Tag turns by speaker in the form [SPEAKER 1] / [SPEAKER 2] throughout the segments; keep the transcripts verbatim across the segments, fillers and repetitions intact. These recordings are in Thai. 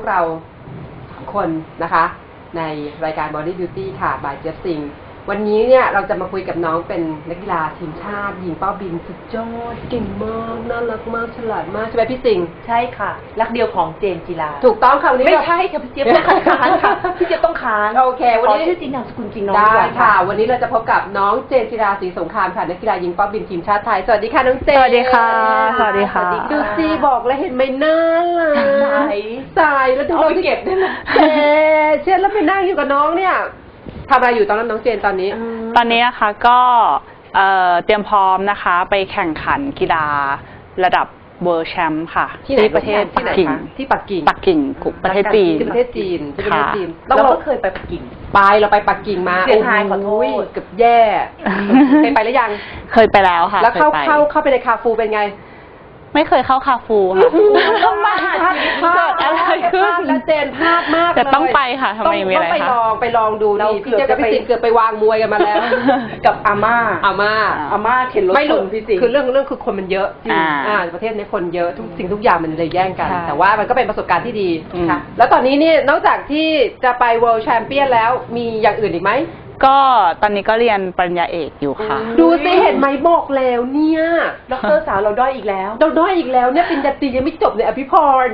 [SPEAKER 1] วกเราคนนะคะในรายการ Body Beauty ค่ะ by เจฟซิงวันนี้เนี่ยเราจะมาคุยกับน้องเป็นนักกีฬาทีมชาติหญิงเป้าบินสุดยอดเก่งมากน่ารักมากฉลาดมากใช่ไหมพี่สิงห์
[SPEAKER 2] ใช่ค่ะรักเดียวของเจนจิลา
[SPEAKER 1] ถูกต้องค่ะวันนี้
[SPEAKER 2] ไม่ใช่ค่ะพี่เจี๊ยบต้องค้านค่ะพี่เจี๊ยบต้องค้าน
[SPEAKER 1] โอเควันนี้
[SPEAKER 2] ชื่อจริงนามสกุลจริงน้อง
[SPEAKER 1] ได้ค่ะวันนี้เราจะพบกับน้องเจนจิราศรีสงครามค่ะนักกีฬาหญิงเป้าบินทีมชาติไทยสวัสดีค่ะน้องเจน
[SPEAKER 3] สวัสดีค่ะสวัสดีค่ะ
[SPEAKER 1] ดูซีบอกแล้วเห็นไหมน่ารักใสใสแล้วดูเราเก็บได้ไหมเเช่นแล้วไปนั่งอยู่กับน้องเนี่ยทำอะไรอยู่ตอนนั้นน้องเจนตอนนี้
[SPEAKER 3] ตอนนี้นะคะก็เตรียมพร้อมนะคะไปแข่งขันกีฬาระดับเวิลด์แชมป์ค่ะที่ประเทศปักกิ่ง
[SPEAKER 1] ที่ปักกิ่ง
[SPEAKER 3] ปักกิ่งประเทศจีน
[SPEAKER 1] ที่ประเทศจีนที่ประเทศจีน
[SPEAKER 2] เราก็เคยไปปักกิ่ง
[SPEAKER 1] ไปเราไปปักกิ่งมา
[SPEAKER 2] เสียงไฮขอโทษ
[SPEAKER 1] เกือบแย่เคยไปหรือยัง
[SPEAKER 3] เคยไปแล้วค่ะ
[SPEAKER 1] แล้วเข้าเข้าเข้าไปในคาฟูเป็นไง
[SPEAKER 3] ไม่เคยเข้าคาฟูค่ะ
[SPEAKER 1] ต้องมาพลาดอะไรขึ้นแล้วเจนพลาดมาก
[SPEAKER 3] แต่ต้องไปค่ะทำไมมีอะไรคะ
[SPEAKER 1] ต้องไปลองไปลองดูนี่พี่เจ้ากับพี่สิงเกือบไปวางมวยกันมาแล้ว
[SPEAKER 2] กับอาม่า
[SPEAKER 1] อาม่า
[SPEAKER 2] อาม่าเข็นรถชนพี่สิง
[SPEAKER 1] คือเรื่องเรื่องคือคนมันเยอะจริงอ่าประเทศนี้คนเยอะทุกสิ่งทุกอย่างมันเลยแย่งกันแต่ว่ามันก็เป็นประสบการณ์ที่ดีค่ะแล้วตอนนี้นี่นอกจากที่จะไป World Champion แล้วมีอย่างอื่นอีกไหม
[SPEAKER 3] ก็ตอนนี้ก็เรียนปริญญาเอกอยู่ค่ะ
[SPEAKER 1] ดูสิเห็นไหมบอกแล้วเนี่ย
[SPEAKER 2] ด็อกเตอร์สาวเราด้อยอีกแล้ว
[SPEAKER 1] เราด้อยอีกแล้วเนี่ยปริญญาตรียังไม่จบเลยอภิพร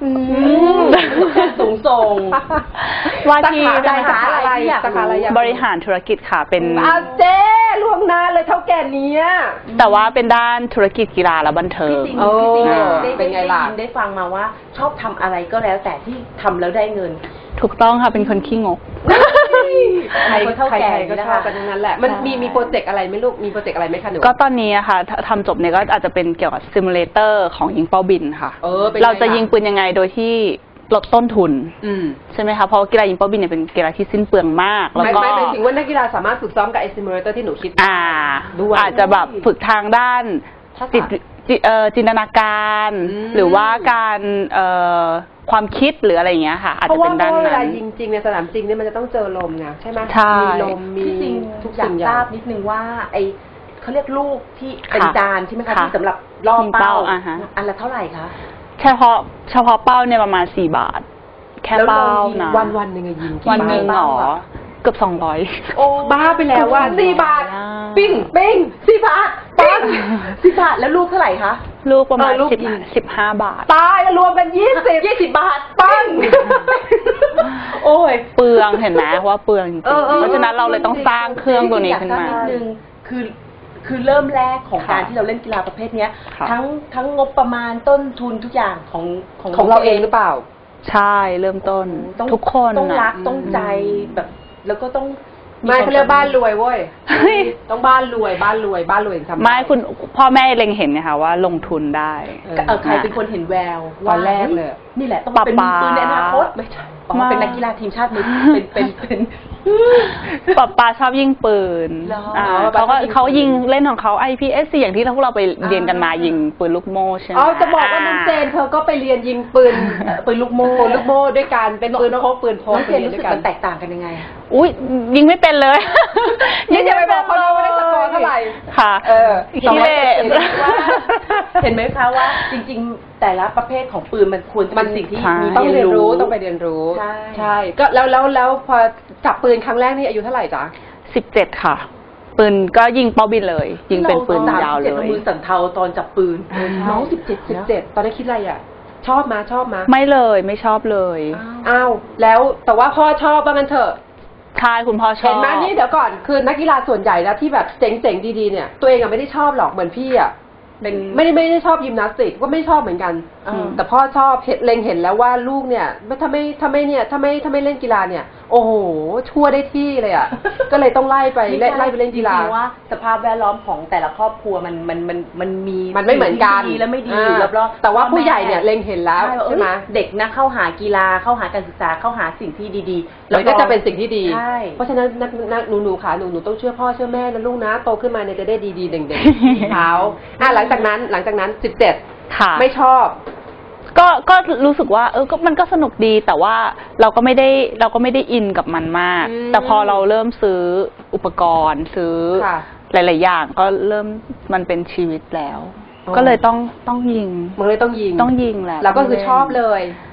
[SPEAKER 2] สูงส่ง
[SPEAKER 3] ว่าที่
[SPEAKER 1] สาขาอะไรสาขาอะไร
[SPEAKER 3] บริหารธุรกิจค่ะเป็น
[SPEAKER 1] อาเจ้ล่วงหน้าเลยเท่าแก่นี้
[SPEAKER 3] แต่ว่าเป็นด้านธุรกิจกีฬาและบันเทิง
[SPEAKER 2] พี่สิงห์เป็นไงล่ะได้ฟังมาว่าชอบทำอะไรก็แล้วแต่ที่ทำแล้วได้เงิน
[SPEAKER 3] ถูกต้องค่ะเป็นคนขี้งก
[SPEAKER 1] ใครเท่าแก่ก็ชอบกันทั้งนั้นแหละมันมีมีโปรเจกต์อะไรไหมลูกมีโปรเจกต์อะไรไหมคะหนู
[SPEAKER 3] ก็ตอนนี้ค่ะทำจบเนี่ยก็อาจจะเป็นเกี่ยวกับซิมูเลเตอร์ของยิงเป้าบินค่ะเราจะยิงปืนยังไงโดยที่ลดต้นทุนใช่ไหมคะเพราะกีฬายิงเป้าบินเนี่ยเป็นกีฬาที่สิ้นเปลืองมาก
[SPEAKER 1] แล้วก็ไม่หมายถึงว่านักกีฬาสามารถฝึกซ้อมกับไอซิมูเลเตอร์ที่หนูคิด
[SPEAKER 3] อ่าอาจจะแบบฝึกทางด้านจิตจินตนาการหรือว่าการความคิดหรืออะไรอย่างเงี้ยค่ะอาจจะเป็นด้านนั้นเพราะว่าเวลา
[SPEAKER 1] ยิงจริงในสนามจริงเนี่ยมันจะต้องเจอลมไงใช่ไหมมีลมมี
[SPEAKER 2] ทุกอย่างทราบนิดนึงว่าไอเขาเรียกลูกที่เป็นจานใช่ไหมคะที่สำหรับล่อเป้าอันละเท่าไหร่คะ
[SPEAKER 3] เฉพาะเฉพาะเป้าเนี่ยประมาณสี่บาทแค่เป้านะ
[SPEAKER 1] วันวันหนึ่งยิง
[SPEAKER 3] วันหนึ่งหรอเกือบสองร้อย
[SPEAKER 1] โอ้บ้าไปแล้วว่าสี่บาทปิ้งปิ้งสี่บาทปัง
[SPEAKER 2] สี่บาทแล้วลูกเท่าไหร่คะ
[SPEAKER 3] ลูกประมาณสิบสิบห้าบาท
[SPEAKER 1] ตายแล้วรวมกันยี่สิบยี่สิบบาทปัง
[SPEAKER 3] โอ้ยเปลืองเห็นไหมว่าเปลืองจริงเพราะฉะนั้นเราเลยต้องสร้างเครื่องตัวนี้ขึ้นมา
[SPEAKER 2] คือคือเริ่มแรกของการที่เราเล่นกีฬาประเภทนี้ทั้งทั้งงบประมาณต้นทุนทุกอย่างของ
[SPEAKER 1] ของของเราเองหรือเปล่า
[SPEAKER 3] ใช่เริ่มต้นทุกคน
[SPEAKER 2] ต้องรักต้องใจแบบแล้วก็ต้อง
[SPEAKER 1] ไม่เขาเรียกบ้านรวยเว้ยต้องบ้านรวยบ้านรวยบ้านรวยทำ
[SPEAKER 3] ไม่คุณพ่อแม่เล็งเห็นนะคะว่าลงทุนได้
[SPEAKER 2] เออใครเป็นคนเห็นแวว
[SPEAKER 1] ตอนแรกเลย
[SPEAKER 2] นี่แหละต้องเป็นมือในอนาคตไม่ใช่เป็นนักกีฬาทีมชาติมือเป็นเป็นเป็น
[SPEAKER 3] ป๊าป๊าชอบยิงปืนเขาก็เขายิงเล่นของเขา ไอ พี เอส ซี อย่างที่พวกเราไปเรียนกันมายิงปืนลูกโม่ใช่ไหม
[SPEAKER 1] อ๋อจะบอกว่าน้องเจนเธอก็ไปเรียนยิงปืนปืนลูกโม่ลูกโม่ด้วยกันเป็นปืนพกปืนพก
[SPEAKER 2] เจนรู้สึกมันแตกต่างกันยังไง
[SPEAKER 3] อุ้ยยิงไม่เป็นเลย
[SPEAKER 1] นี่จะไปบอกเขาว่าได้สกอร์เท่าไหร่
[SPEAKER 3] ค่ะเออ
[SPEAKER 1] ที่เล่
[SPEAKER 2] เห็นไหมคะว่าจริงๆแต่ละประเภทของปืนมันควรจะเป็นสิ่งที่มี
[SPEAKER 1] ต้องเรียนรู้ต้องไปเรียนรู้ใช่ใช่ก็แล้วแล้วแล้วพอจับปืนครั้งแรกนี่อายุเท่าไหร่จ๊ะ
[SPEAKER 3] สิบเจ็ดค่ะปืนก็ยิงเป้าบินเลยยิงเป็นปืนยาวเลย
[SPEAKER 2] มือสั่นเทาตอนจับปืน
[SPEAKER 1] น้องสิบเจ็ดสิบเจ็ดตอนนี้คิดอะไรอ่ะชอบมาชอบมา
[SPEAKER 3] ไม่เลยไม่ชอบเลย
[SPEAKER 1] อ้าวแล้วแต่ว่าพ่อชอบว่างั้นเถอะ
[SPEAKER 3] ใช่คุณพ่อชอบ
[SPEAKER 1] เห็นไหมนี่เดี๋ยวก่อนคือนักกีฬาส่วนใหญ่แล้วที่แบบเจ๋งๆดีๆเนี่ยตัวเองอะไม่ได้ชอบหรอกเหมือนพี่อะเป็นไม่ได้ไม่ได้ชอบยิมนาสติกก็ไม่ชอบเหมือนกันแต่พ่อชอบเห็นเล็งเห็นแล้วว่าลูกเนี่ยถ้าไม่ถ้าไม่เนี่ยถ้าไม่ถ้าไม่เล่นกีฬาเนี่ยโอ้โหชั่วได้ที่เลยอ่ะก็เลยต้องไล่ไปไล่ไปเล่นกีฬา
[SPEAKER 2] ว่าสภาพแวดล้อมของแต่ละครอบครัวมันมันมันมันมี
[SPEAKER 1] มันไม่เหมือนกัน
[SPEAKER 2] ดีและไม่ดีอยู่รอบ
[SPEAKER 1] ๆแต่ว่าผู้ใหญ่เนี่ยเล็งเห็นแล้วใช่ไหม
[SPEAKER 2] เด็กนะเข้าหากีฬาเข้าหาการศึกษาเข้าหาสิ่งที่ดีๆ
[SPEAKER 1] แล้วก็จะเป็นสิ่งที่ดีเพราะฉะนั้นนักนักหนูหนูค่ะหนูหนูต้องเชื่อพ่อเชื่อแม่นะลูกนะโตขึ้นมาเนี่ยจะได้ดีๆเด่งๆเขาอ่ะหลังจากนั้นหลังจากนั้นสิบเจ็ดไม่ชอบ
[SPEAKER 3] ก็ก็รู้สึกว่าเออก็มันก็สนุกดีแต่ว่าเราก็ไม่ได้เราก็ไม่ได้อินกับมันมากแต่พอเราเริ่มซื้ออุปกรณ์ซื้อหลายๆอย่างก็เริ่มมันเป็นชีวิตแล้วก็เลยต้องต้องยิง
[SPEAKER 1] มันเลยต้องยิง
[SPEAKER 3] ต้องยิงแหละ
[SPEAKER 1] เราก็คือชอบเลย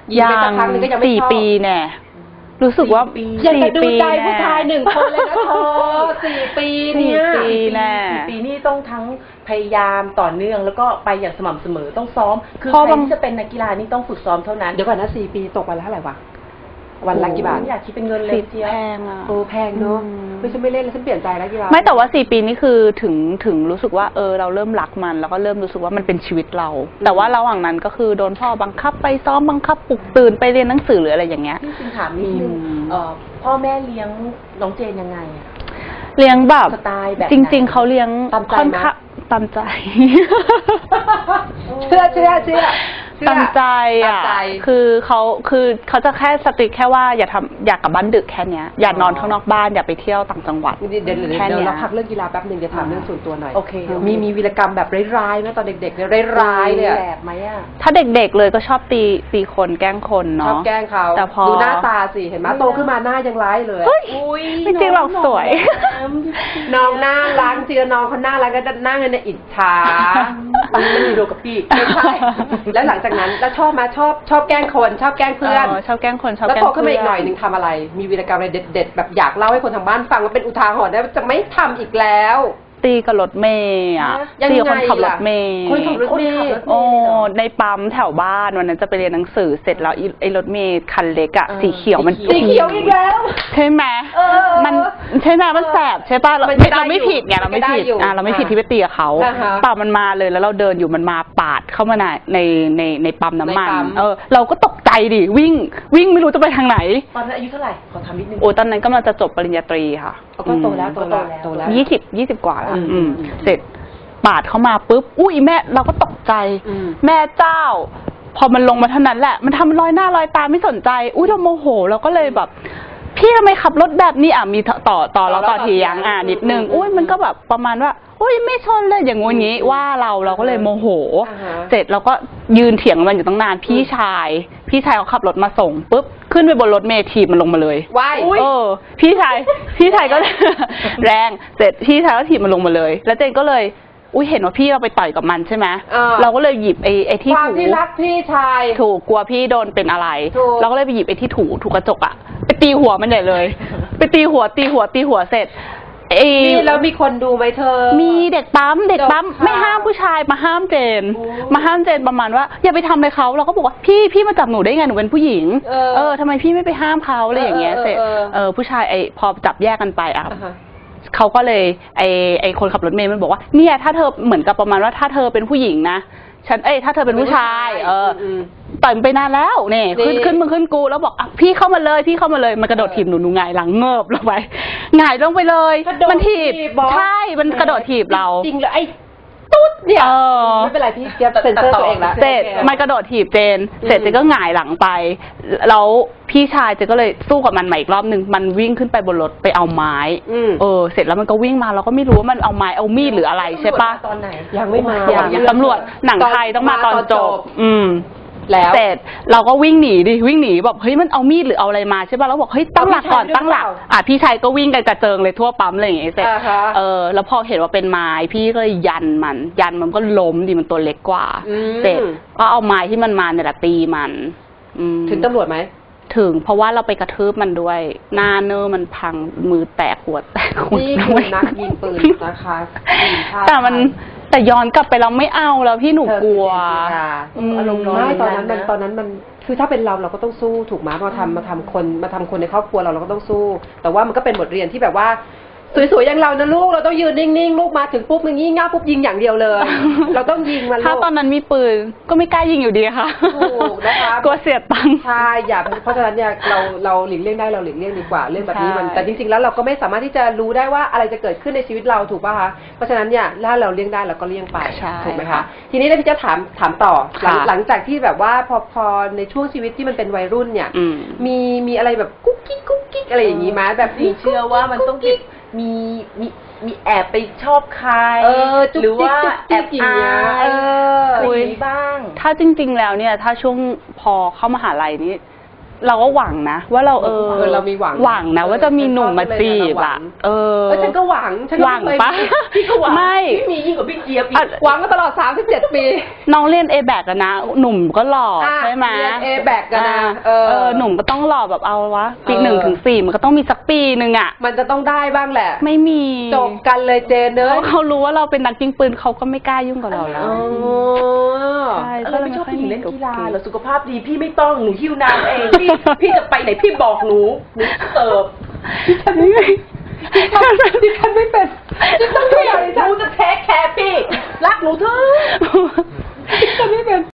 [SPEAKER 1] ยิงไปสักพักนึงก็ยังไม่ชอบ
[SPEAKER 3] สี่ปีแน่รู้สึกว่า
[SPEAKER 1] อยากจะดูใจผู้ชายหนึ่งคนเลยนะเธอสี่ปีเนี่ย
[SPEAKER 3] สี่ปีแน่
[SPEAKER 2] สี่ปีนี่ต้องทั้งพยายามต่อเนื่องแล้วก็ไปอย่างสม่ำเสมอต้องซ้อมคือ
[SPEAKER 3] พอ
[SPEAKER 2] ใคร
[SPEAKER 3] บาง
[SPEAKER 2] ที่จะเป็นนักกีฬานี่ต้องฝึกซ้อมเท่านั้น
[SPEAKER 1] เดี๋ยวก่อนนะสี่ปีตกวันละเท่าไหร่วะวันละกี่บาท
[SPEAKER 2] อยากคิดเป็นเงินเลยทีเดียว
[SPEAKER 3] แพงอ่ะ
[SPEAKER 1] โอ้แพงเนอะไม่ฉันไม่เล่นแล้วฉันเปลี่ยนใจแล้วกีฬา
[SPEAKER 3] ไม่แต่ว่าสี่ปีนี่คือถึงถึงรู้สึกว่าเออเราเริ่มรักมัน แล้วก็เริ่มรู้สึกว่ามันเป็นชีวิตเรา แต่ว่าระหว่างนั้นก็คือโดนพ่อบังคับไปซ้อมบังคับปลุกตื่นไปเรียนหนังสือหรืออะไรอย่างเงี้ย
[SPEAKER 2] พี่จริงถามนิดนึง
[SPEAKER 3] อืม
[SPEAKER 2] เอ่อพ่อแม่เลี้ยงน้องเจนยังไงอะ
[SPEAKER 3] เลี้ยงแบบ
[SPEAKER 2] สไตล์แบบ
[SPEAKER 3] จริง ๆเขาเลี้ยง
[SPEAKER 1] ตามใจ
[SPEAKER 3] ค่อน
[SPEAKER 1] ไหม
[SPEAKER 3] ข้างตามใจ
[SPEAKER 1] เชื่อเชื่อเชื่อ
[SPEAKER 3] ตามใจ
[SPEAKER 1] ตาม
[SPEAKER 3] อ่ะ
[SPEAKER 1] ใจ
[SPEAKER 3] คือเขาคือเขาจะแค่สติ๊กแค่ว่าอย่าทำอยากกลับบ้านดึกแค่เนี้ยอย่านอนข้างนอกบ้านอย่าไปเที่ยวต่างจังหวัด
[SPEAKER 1] เดี๋ยวเดี๋ยวเดี๋ยว
[SPEAKER 3] แค่
[SPEAKER 1] เดี๋ยว
[SPEAKER 3] เนี้ย
[SPEAKER 1] เราพักเรื่องกีฬาแป๊บหนึ่งจะถามเรื่องส่วนตัวหน่อย
[SPEAKER 2] โอเค
[SPEAKER 1] มีมีวีรกรรมแบบร้ายๆไหมตอนเด็กๆเนี่ยร้ายๆเลยอะ
[SPEAKER 2] แสบไหมอ่ะ
[SPEAKER 3] ถ้าเด็กๆเลยก็ชอบตีตีคนแกล้งคน
[SPEAKER 1] ชอ
[SPEAKER 3] เนาะ
[SPEAKER 1] บแกล้งเขา
[SPEAKER 3] แต่พอ
[SPEAKER 1] ดูหน้าตาสิเห็นไหมโตขึ้นมาหน้ายังร้ายเลย
[SPEAKER 3] เฮ้ย
[SPEAKER 2] อุ้ย
[SPEAKER 3] จริงๆเราสวย
[SPEAKER 1] น้องหน้ารักจริงๆน้องเขาหน้ารักก็นั่งในอิจฉา
[SPEAKER 2] ปังไม่มีโดกับพี่
[SPEAKER 1] ไม่ใช่ แล้วหลังจากนั้นแล้วชอบมาชอบชอบแกล้งคนชอบแกล้งเพื่อน
[SPEAKER 3] ชอบแกล้งคนชอบ
[SPEAKER 1] แล้ว
[SPEAKER 3] แกล้ง
[SPEAKER 1] โตขึ้นมาอีกหน่อยห
[SPEAKER 3] เพื่
[SPEAKER 1] นึ่งทำอะไร มีวีรกรรมอะไรเด็ดๆแบบอยากเล่าให้คนทางบ้านฟังว่าเป็นอุทาหรณ์ได้ว่าจะไม่ทำอีกแล้ว
[SPEAKER 3] ตีกับรถเมย์อ่ะ
[SPEAKER 1] ยังไง
[SPEAKER 3] ตีกับคนขับร
[SPEAKER 1] ล่ะ
[SPEAKER 3] ถเมย์
[SPEAKER 1] คนขับรถเมย์
[SPEAKER 3] โอ้ในปั๊มแถวบ้านวันนั้นจะไปเรียนหนังสือเสร็จแล้วไอ้ไอ้รถเมย์คันเล็กอ่ะ
[SPEAKER 2] เออ
[SPEAKER 3] สีเขียวมัน
[SPEAKER 1] สีเขียวอีกแล้ว
[SPEAKER 3] ใช่ไหม
[SPEAKER 1] เออ
[SPEAKER 3] มันใช่ไหมมันแสบใช่ป่ะเรา
[SPEAKER 1] มัน
[SPEAKER 3] ไม่
[SPEAKER 1] ได้
[SPEAKER 3] เราไม่
[SPEAKER 1] อยู่
[SPEAKER 3] ผิดไงเราไม่ผิด
[SPEAKER 1] มันก็ได้อยู่
[SPEAKER 3] อ่ะเราไม่ผิด
[SPEAKER 1] อ่ะ
[SPEAKER 3] ที่ไปตีกับเขา
[SPEAKER 1] อ่าฮะ
[SPEAKER 3] เปล่ามันมาเลยแล้วเราเดินอยู่มันมาปาดเข้ามาในในในในปั๊มน้ำมัน
[SPEAKER 1] ในปั๊ม
[SPEAKER 3] เออเราก็ตกใจดิวิ่งวิ่งไม่รู้จะไปทางไหน
[SPEAKER 2] ตอนนั้นอายุเท่าไหร่ขอถามนิดนึง
[SPEAKER 3] โอ้ยตอนนั้นกำลังจะจบปริญญาตรีค่ะ
[SPEAKER 1] เอาก็โตแล้วโตแล้ว
[SPEAKER 2] อืม
[SPEAKER 1] โตแล้ว
[SPEAKER 3] ยี่สิบยี่สิบกว่าแล้ว
[SPEAKER 1] อืม
[SPEAKER 3] อืม
[SPEAKER 1] อืม
[SPEAKER 3] เสร็จปาดเข้ามาปุ๊บอุ้ยแม่เราก็ตกใจ
[SPEAKER 1] อืม
[SPEAKER 3] แม่เจ้า พอมันลงมาเท่านั้นแหละ มันทำรอยหน้ารอยตาไม่สนใจ อุ้ยเราโมโหเราก็เลยแบบ พี่ทำไมขับรถแบบนี้อ่ะมีต่อต่อต่อเราต่อเถียงอ่ะนิดนึงอุ้ยมันก็แบบประมาณว่าอุ้ยไม่ชนเลยอย่างงู้นงี้ว่าเราเราก็เลยโมโห
[SPEAKER 1] อ่าฮะ
[SPEAKER 3] เสร็จเราก็ยืนเถียงมันอยู่ตั้งนานพี่ชาย พี่ชายเขาขับรถมาส่งปุ๊บขึ้นไปบนรถเมล์ถีบมันลงมาเลย
[SPEAKER 1] ว้าย
[SPEAKER 3] เออพี่ชายพี่ชายก็ แรงเสร็จพี่ชายก็ถีบมันลงมาเลย แล้วเจนก็เลยอุ้ยเห็นว่าพี่เราไปต่อยกับมันใช่ไหม
[SPEAKER 1] เออ
[SPEAKER 3] เราก็เลยหยิบไอ้ไอ้ที่
[SPEAKER 1] ความ
[SPEAKER 3] ถู
[SPEAKER 1] ที่รักพี่ชาย
[SPEAKER 3] ถูกกลัวพี่โดนเป็นอะไร
[SPEAKER 1] ถูก
[SPEAKER 3] เราก็เลยไปหยิบไอ้ที่ถูถูกระจกอะไปตีหัวมันใหญ่เลย ไปตีหัวตีหัวตีหัวเสร็จไอ้
[SPEAKER 1] นี่แล้วมีคนดูไหมเธอ
[SPEAKER 3] มีเด็กปั๊มเด็กปั๊ม
[SPEAKER 1] เด็กค่ะ
[SPEAKER 3] ไม่ห้ามผู้ชายมาห้ามเจน
[SPEAKER 1] โอ้
[SPEAKER 3] มาห้ามเจนประมาณว่าอย่าไปทำเลยเขาเราก็บอกว่าพี่พี่มาจับหนูได้ไงหนูเป็นผู้หญิง
[SPEAKER 1] เออ
[SPEAKER 3] เออทำไมพี่ไม่ไปห้ามเขาอะไรอย่างเงี้ย
[SPEAKER 1] เออ
[SPEAKER 3] เสร็จ
[SPEAKER 1] เออเออ
[SPEAKER 3] เออผู้ชายไอ้พอจับแยกกันไปอ่ะ
[SPEAKER 1] อ่าฮะ
[SPEAKER 3] เขาก็เลยไอไอคนขับรถเมล์มันบอกว่าเนี่ยถ้าเธอเหมือนกับประมาณว่าถ้าเธอเป็นผู้หญิงนะฉันเอ้ยถ้าเธอเป็นผู้ชาย เอออ
[SPEAKER 1] ม
[SPEAKER 3] ต่อยมันไปนานแล้วเนี่ยขึ้น
[SPEAKER 1] นี่
[SPEAKER 3] ขึ้นมึงขึ้นกูแล้วบอกอ่ะพี่เข้ามาเลยพี่เข้ามาเลยมันกระโดดถีบหนูหนูหงายหลังเงิบลงไปหงายลงไปเลย
[SPEAKER 1] กระโดด
[SPEAKER 3] มันถีบ
[SPEAKER 1] ถีบเหรอ
[SPEAKER 3] ใช่มันกระโดดถีบเรา
[SPEAKER 1] จริงๆเลยไอ้ตุ๊ดเนี่ย
[SPEAKER 3] เออ
[SPEAKER 1] ไม่เป็นไรพี่เจี๊ยบเซ็นเซอร์ตัวเองละ
[SPEAKER 3] เสร็จมันกระโดดถีบเจน เสร็จเจนก็หงายหลังไป แล้วพี่ชายเจนก็เลยสู้กับมันใหม่อีกรอบหนึ่งมันวิ่งขึ้นไปบนรถไปเอาไม้
[SPEAKER 1] อืม
[SPEAKER 3] เออเสร็จแล้วมันก็วิ่งมาเราก็ไม่รู้ว่ามันเอาไม้เอามีดหรืออะไรใช่ปะ
[SPEAKER 2] ตอนไหน
[SPEAKER 1] ยังไม่มา
[SPEAKER 3] อย่าง
[SPEAKER 1] ยัง
[SPEAKER 3] ตำรวจหนังไทยต้องมาตอนจบ อืม
[SPEAKER 1] แล้ว
[SPEAKER 3] เสร็จเราก็วิ่งหนีดิวิ่งหนีแบบเฮ้ยมันเอามีดหรือเอาอะไรมาใช่ป่ะเราบอกเฮ้ยตั้งหลักก่อน
[SPEAKER 1] เอาพี่ชาย
[SPEAKER 3] ตั้งหลัก
[SPEAKER 1] ด้วยหรือเปล่า
[SPEAKER 3] อ่ะพี่ชายก็วิ่งกันกระเจิงเลยทั่วปั๊มอะไรอย่างเงี้ยเสร็จ
[SPEAKER 1] อ่าฮะ
[SPEAKER 3] เออแล้วพอเห็นว่าเป็นไม้พี่ก็เลยยันมัน ยันมันก็ล้มดิมันตัวเล็กกว่า
[SPEAKER 1] อืม
[SPEAKER 3] เสร็จก็เอาไม้ที่มันมาเนี่ยแหละตีมันอืม
[SPEAKER 1] ถึงตำรวจไหม
[SPEAKER 3] ถึงเพราะว่าเราไปกระทืบมันด้วย หน้าเนื้อมันพังมือแตกหัวแตกหัว
[SPEAKER 1] นี่คือนักยิงปืนนะคะทีมชาติ
[SPEAKER 3] แต่มันแต่ย้อนกลับไปเราไม่เอาแล้วพี่หนู
[SPEAKER 1] เธอก
[SPEAKER 3] ลัว
[SPEAKER 1] คือเจนจิรา
[SPEAKER 3] อืม
[SPEAKER 2] อารมณ์ร้
[SPEAKER 1] ไม่ตอนนั้นมัน
[SPEAKER 2] นะ
[SPEAKER 1] ตอนนั้นมันคือถ้าเป็นเราเราก็ต้องสู้ถูกไหมมาทำมาทำคนมาทำคนในครอบครัวเราเราก็ต้องสู้ แต่ว่ามันก็เป็นบทเรียนที่แบบว่า สวยๆอย่างเรานะลูกเราต้องยืนนิ่งๆลูกมาถึงปุ๊บมึงงี้ง่าปุ๊บยิงอย่างเดียวเลย เราต้องยิงมันลูก
[SPEAKER 3] ถ้าตอนนั้นมีปืนก็ไม่กล้ายิงอยู่ดีค่ะ
[SPEAKER 1] ถูกนะคะ
[SPEAKER 3] กลัวเสียตังค์
[SPEAKER 1] ใช่อย่าเพราะฉะนั้นเนี่ยเราเราหลีกเลี่ยงได้เราหลีกเลี่ยงดีกว่าเรื่องแบบนี้มัน
[SPEAKER 3] ใช่
[SPEAKER 1] แต่จริงๆแล้วเราก็ไม่สามารถที่จะรู้ได้ว่าอะไรจะเกิดขึ้นในชีวิตเราถูกป่ะคะเพราะฉะนั้นเนี่ยถ้าเราเลี่ยงได้เราก็เลี่ยงไป
[SPEAKER 3] ใช่
[SPEAKER 1] ถูกไหมคะทีนี้แล้วพี่จะถามถามต่อหลัง
[SPEAKER 3] ค่ะ
[SPEAKER 1] หลังจากที่แบบว่าพอพอในช่วงชีวิตที่มันเป็นวัยรุ่นเนี่ย
[SPEAKER 3] อืม
[SPEAKER 1] มีมีอะไรแบบกุ๊กกิ๊กกุ๊กกิ๊กอะไรอย่างนี้ไหมแบบ
[SPEAKER 2] พี่เชื่อว่ามันต้องมีมีมีแอบไปชอบใคร
[SPEAKER 1] เออจุ๊ก
[SPEAKER 2] หรือว่า
[SPEAKER 1] จิ๊ก
[SPEAKER 2] แอบ
[SPEAKER 1] จุ๊กจิ๊กอย่าง
[SPEAKER 2] อา
[SPEAKER 1] เงี้ย
[SPEAKER 2] ย
[SPEAKER 1] เออ
[SPEAKER 2] อะไร
[SPEAKER 3] อุ๊
[SPEAKER 2] อย ย่างนี้บ้าง
[SPEAKER 3] ถ้าจริง ๆ แล้วเนี่ย ถ้าช่วงพอเข้ามหาลัยนี้เราก็หวังนะว่าเราเออ
[SPEAKER 1] เออเรามีหวัง
[SPEAKER 3] หวังนะว่าจะมีหนุ่มมาจีบอ่ะเออ
[SPEAKER 1] เออฉันก็หวังฉันก็
[SPEAKER 3] หวัง
[SPEAKER 1] เคย
[SPEAKER 3] ปะ
[SPEAKER 1] มีพี่ก็หวัง
[SPEAKER 3] ไม่
[SPEAKER 2] พี่มียิ่งกว่าพี่เจี๊ยบอี
[SPEAKER 3] อ่ะ
[SPEAKER 2] ก
[SPEAKER 1] หวังมาตลอดสามสิบเจ็ดปี
[SPEAKER 3] น้องเรียน เอ แบค อะนะหนุ่มก็หล่อ
[SPEAKER 1] อ่ะ
[SPEAKER 3] ใช่ไหม
[SPEAKER 1] เรียน เอ แบค กันนะ
[SPEAKER 3] อ่า
[SPEAKER 1] เออ
[SPEAKER 3] เออหนุ่มก็ต้องหล่อแบบเอาวะปี
[SPEAKER 1] เออ
[SPEAKER 3] หนึ่งถึงสี่มันก็ต้องมีสักปีหนึ่งอ่ะ
[SPEAKER 1] มันจะต้องได้บ้างแหละ
[SPEAKER 3] ไม่มี
[SPEAKER 1] จบกันเลยเจนเน
[SPEAKER 3] เพ
[SPEAKER 1] อะ
[SPEAKER 3] ราะเขารู้ว่าเราเป็นนักยิงปืนเขาก็ไม่กล้ายุ่งกับเราแล้ว
[SPEAKER 1] อ๋อ
[SPEAKER 3] ใช่
[SPEAKER 2] เราไม่ชอบผู้หญิงเล่นกีฬาเหรอสุขภาพดีพี่ไม่ต้องหนูหิ้วน้ำเองพี่พี่จะไปไหนพี่บอกหนูหนูเสิร์ฟ
[SPEAKER 1] ดิฉันไม่เป็นดิฉันไม่เป็น
[SPEAKER 2] หนูจะเทคแคร์พี่รักหนูเถอะ
[SPEAKER 1] ดิฉันไม่เป็น